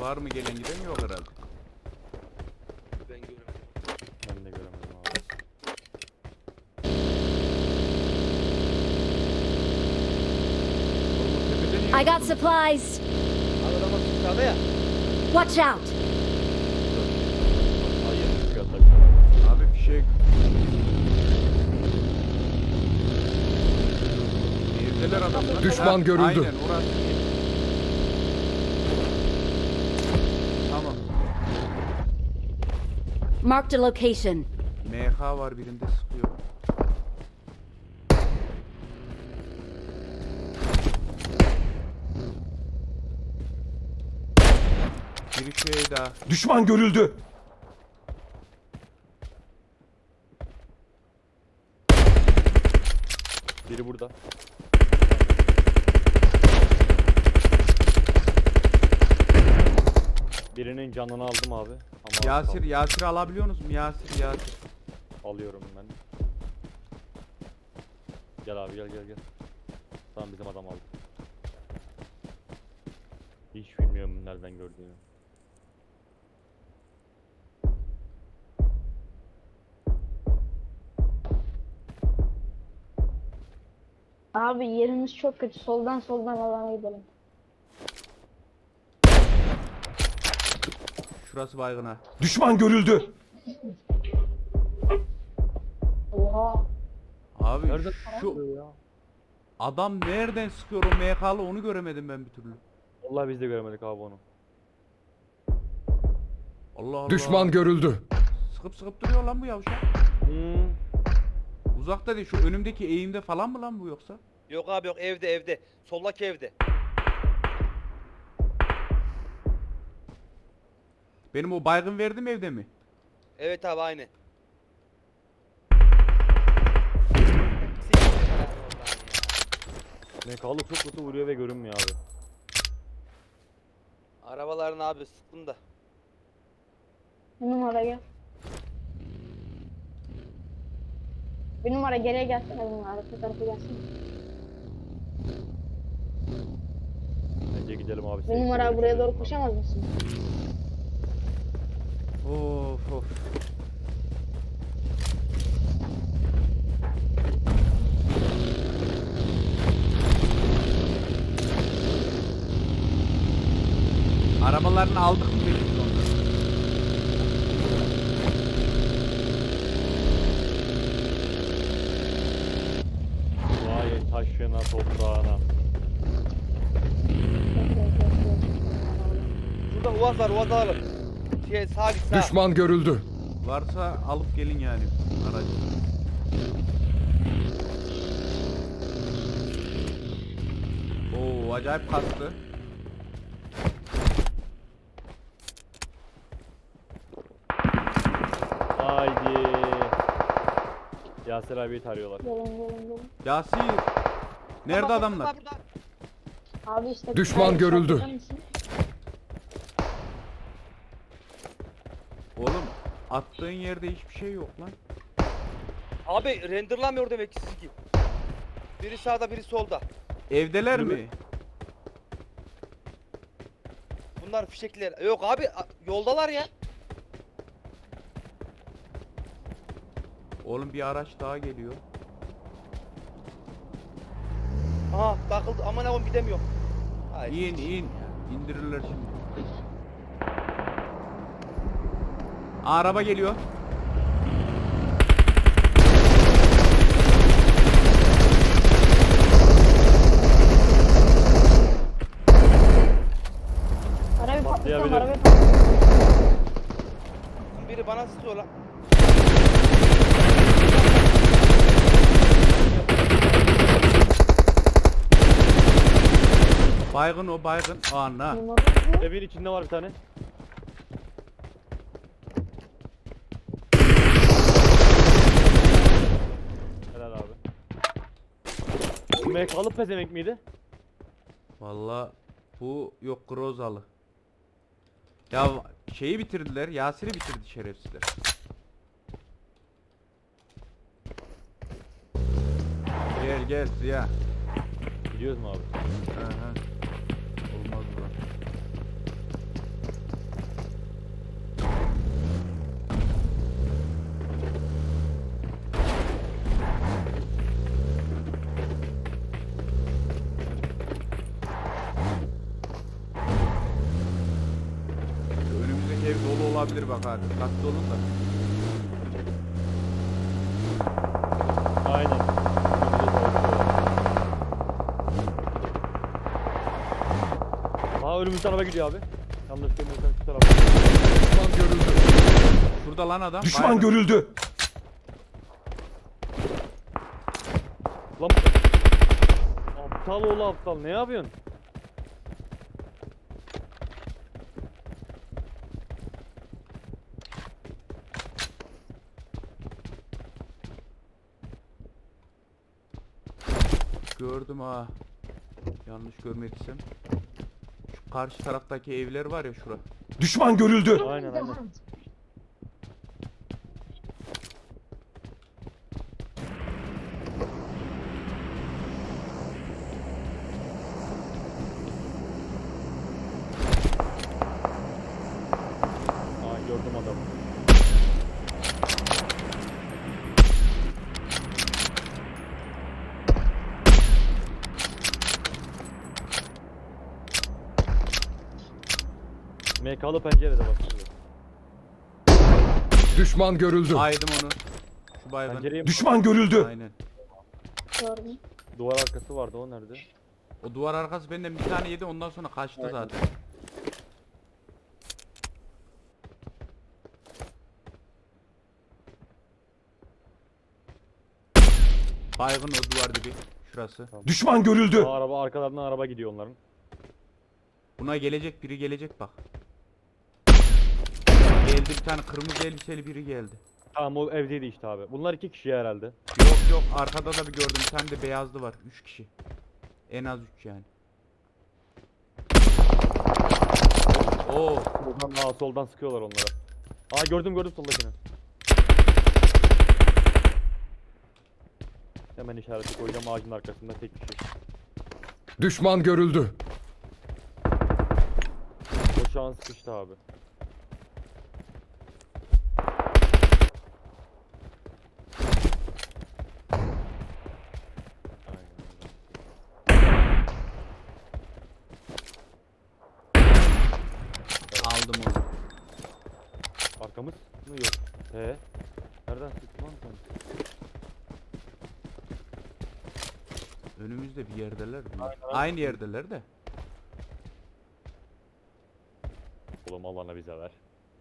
Var mı gelen giden? Yok herhalde. Ben göremedim. Ben de göremedim abi. Oğlum tepede niye? I got supplies. Abi adam bak sağda ya. Watch out. Hayır, çıkıyor tabii. Abi bir şey... Evdeler adamlar. Düşman görüldü. Aynen orası. Tamam. Marked a location. MH var birinde sıkıyor. Bir şey daha. Düşman görüldü. Biri burada. Birinin canını aldım abi. Ama Yasir, Yasir alabiliyor musun? Yasir, Yasir. alıyorum ben. Gel abi gel. Tamam bizim adam aldı. Hiç bilmiyorum nereden gördüğünü. Abi yerimiz çok kötü. Soldan alana gidelim. Şurası baygın ha. Düşman görüldü. Oha. Abi Nerede şu ya? adam nereden sıkıyor o MK'lı onu göremedim ben bir türlü. Vallahi biz de göremedik abi onu. Allah Allah. Düşman görüldü. Sıkıp duruyor lan bu yavşak. Hmm. Uzakta değil, şu önümdeki eğimde falan mı lan bu yoksa? Yok abi yok, evde. Soldaki evde. Benim o baygın verdim evde mi? Evet abi aynı. Mekalı çok kötü vuruyor ve görünmüyor abi. Arabaların abi sıktım da. Bir numara gel. Bir numara geriye gelsene, bir numara. Arka tarafa gelsene. Bence gidelim abi. Bir numara buraya doğru koşamaz mısın? Of of. Arabalarını aldık mı peki sonra? Vay taşına toprağına. Şurada Uaz var, Uaz alalım. Sağa git sağa. Düşman görüldü. Varsa alıp gelin yani aracı. Oo acayip kastı. Haydi. Yasir abiyi tarıyorlar. Gelin. Yasir. Nerede Baba, adamlar? burada. Abi işte. Düşman Hayır, görüldü. şarkıda mısın? Oğlum attığın yerde hiçbir şey yok lan. Abi renderlamıyor demek ki sizinki. Biri sağda, biri solda. Evdeler mi? Bunlar fişekler. Yok abi, yoldalar ya. Oğlum bir araç daha geliyor. Aha takıldı, aman aman gidemiyorum. Hayır. İn. İndirirler şimdi. Araba geliyor. Arabayı patlatıyorum, Patlayabilir. arabayı patlatıyorum. Biri bana sıkıyor lan. Baygın o baygın. Ana. Evin içinde var bir tane. Helal abi. Bu mekalı pezemek miydi? Valla bu yok Grozalı. Ya şeyi bitirdiler. Yasir'i bitirdi şerefsizler. Gel Ziya. Gidiyoruz mu abi? Aha. Olmaz bu. olabilir bak ha. Dikkatli olun da. Aynen. Aa önümüzde araba gidiyor abi. Yanlış görmüyorsam şu tarafa. Düşman görüldü. Şurada lan adam. Düşman Baygın. görüldü. Lan aptal oğlu aptal ne yapıyorsun? Gördüm ha. Yanlış görmediysem. Şu karşı taraftaki evler var ya şura. Düşman görüldü. Aynen aynen. Aa gördüm adamı. MK'lı pencerede bak. Düşman görüldü. Aydım onu. Şu baygın. Pencereye mi? Düşman görüldü. Aynen. Gördüm. Duvar arkası vardı o nerede? O duvar arkası benden bir tane yedi ondan sonra kaçtı Aynen. zaten. Baygın o duvar dibi. Şurası. Düşman görüldü. Aa, araba arkalarından araba gidiyor onların. Buna gelecek biri gelecek bak. Geldi bir tane kırmızı elbiseli biri geldi. Tamam o evdeydi işte abi. Bunlar iki kişi herhalde. Yok yok arkada da bir gördüm bir tane de beyazlı var. 3 kişi. En az 3 yani. Oo. Soldan sıkıyorlar onlara. Aa gördüm soldakini. Hemen işareti koyacağım ağacın arkasında tek kişi. Düşman görüldü. O şu an sıkıştı abi. Aynen öyle. Aldım onu. Arkamız mı yok? Nereden sıktı lan sen? Önümüzde bir yerdeler. bunlar. Aynen, Aynı yerdeler de. Oğlum Allah'ına bize ver.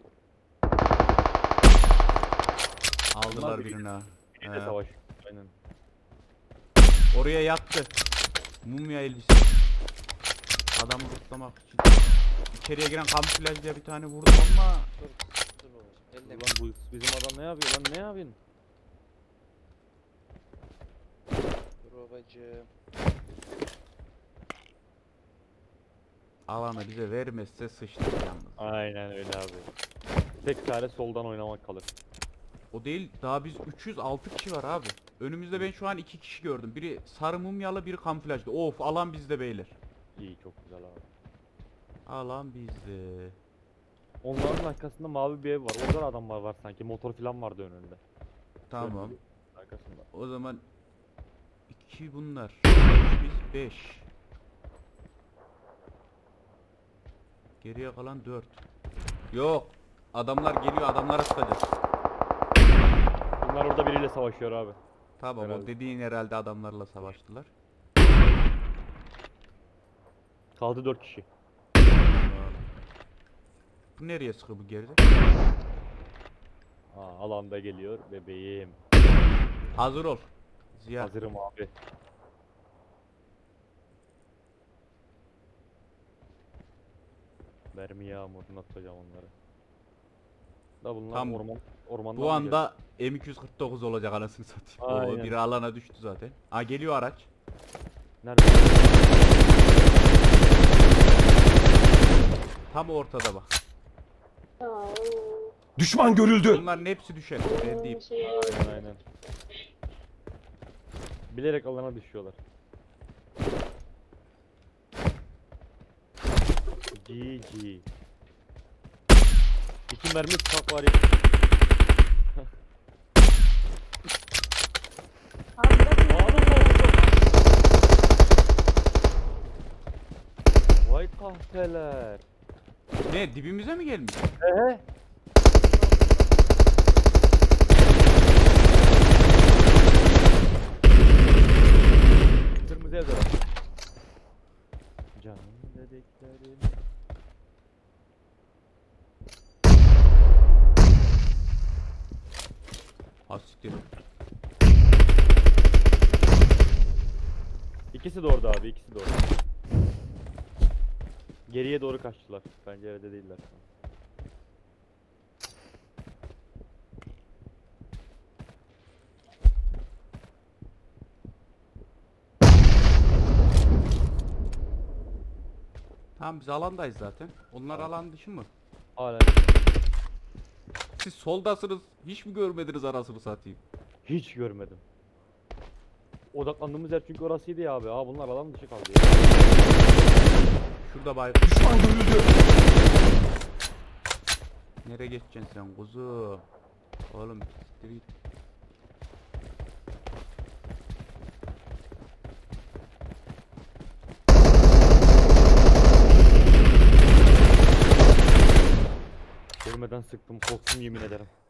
Aldılar Bunlar birini ha. Bir de He. savaş. Aynen. Oraya yattı. Mumya elbise. Adamı tutlamak için. İçeriye giren kamuflajlıya bir tane vurdum ama Dur babacım. Elle. Ulan bu bizim adam ne yapıyor lan ne yapıyorsun? Dur babacım. alanı bize vermezse sıçtık yalnız. Aynen öyle abi. Tek tane soldan oynamak kalır. O değil daha biz 306 kişi var abi. Önümüzde ben şu an 2 kişi gördüm. Biri sarı mumyalı biri kamuflajlı. Of alan bizde beyler. İyi çok güzel abi. Alan bizde. Onların arkasında mavi bir ev var. Orada da adam var sanki. Motor falan vardı önünde. Tamam. Arkasında. O zaman 2 bunlar. Biz 5. Geriye kalan 4. Yok. Adamlar geliyor adamlara sıkacağız. Bunlar orada biriyle savaşıyor abi. Tamam o Herhalde. dediğin herhalde adamlarla savaştılar. Kaldı 4 kişi. Bu nereye sıkı bu geride? Aa, alanda geliyor bebeğim. Hazır ol. Ziya. Hazırım abi. Mermi yağmuruna atacağım onları. Da bunlar Tam ormandan Bu mı anda M249 olacak anasını satayım. O Aynen. biri alana düştü zaten. Aa geliyor araç. geldi? Nerede? Tam ortada bak. Düşman görüldü. Bunların hepsi düşer. Ben diyeyim. Aynen. Bilerek alana düşüyorlar. GG. İki mermi sıkak var ya. Abi bırakın. Vay kahpeler. Ne dibimize mi gelmiş? Ehe. Canım dediklerim. Ha siktir. İkisi de orada abi, ikisi de orada. Geriye doğru kaçtılar. Bence evde değiller şu an. Tamam biz alandayız zaten. Onlar alan dışı mı? Hala Siz soldasınız. Hiç mi görmediniz arasını satayım? hiç görmedim. Odaklandığımız yer çünkü orasıydı ya abi. Aa bunlar alan dışı kaldı ya. Şurada bay. Düşman görüldü. Nereye geçeceksin sen kuzu? Oğlum siktir git. Görmeden sıktım, korktum yemin ederim.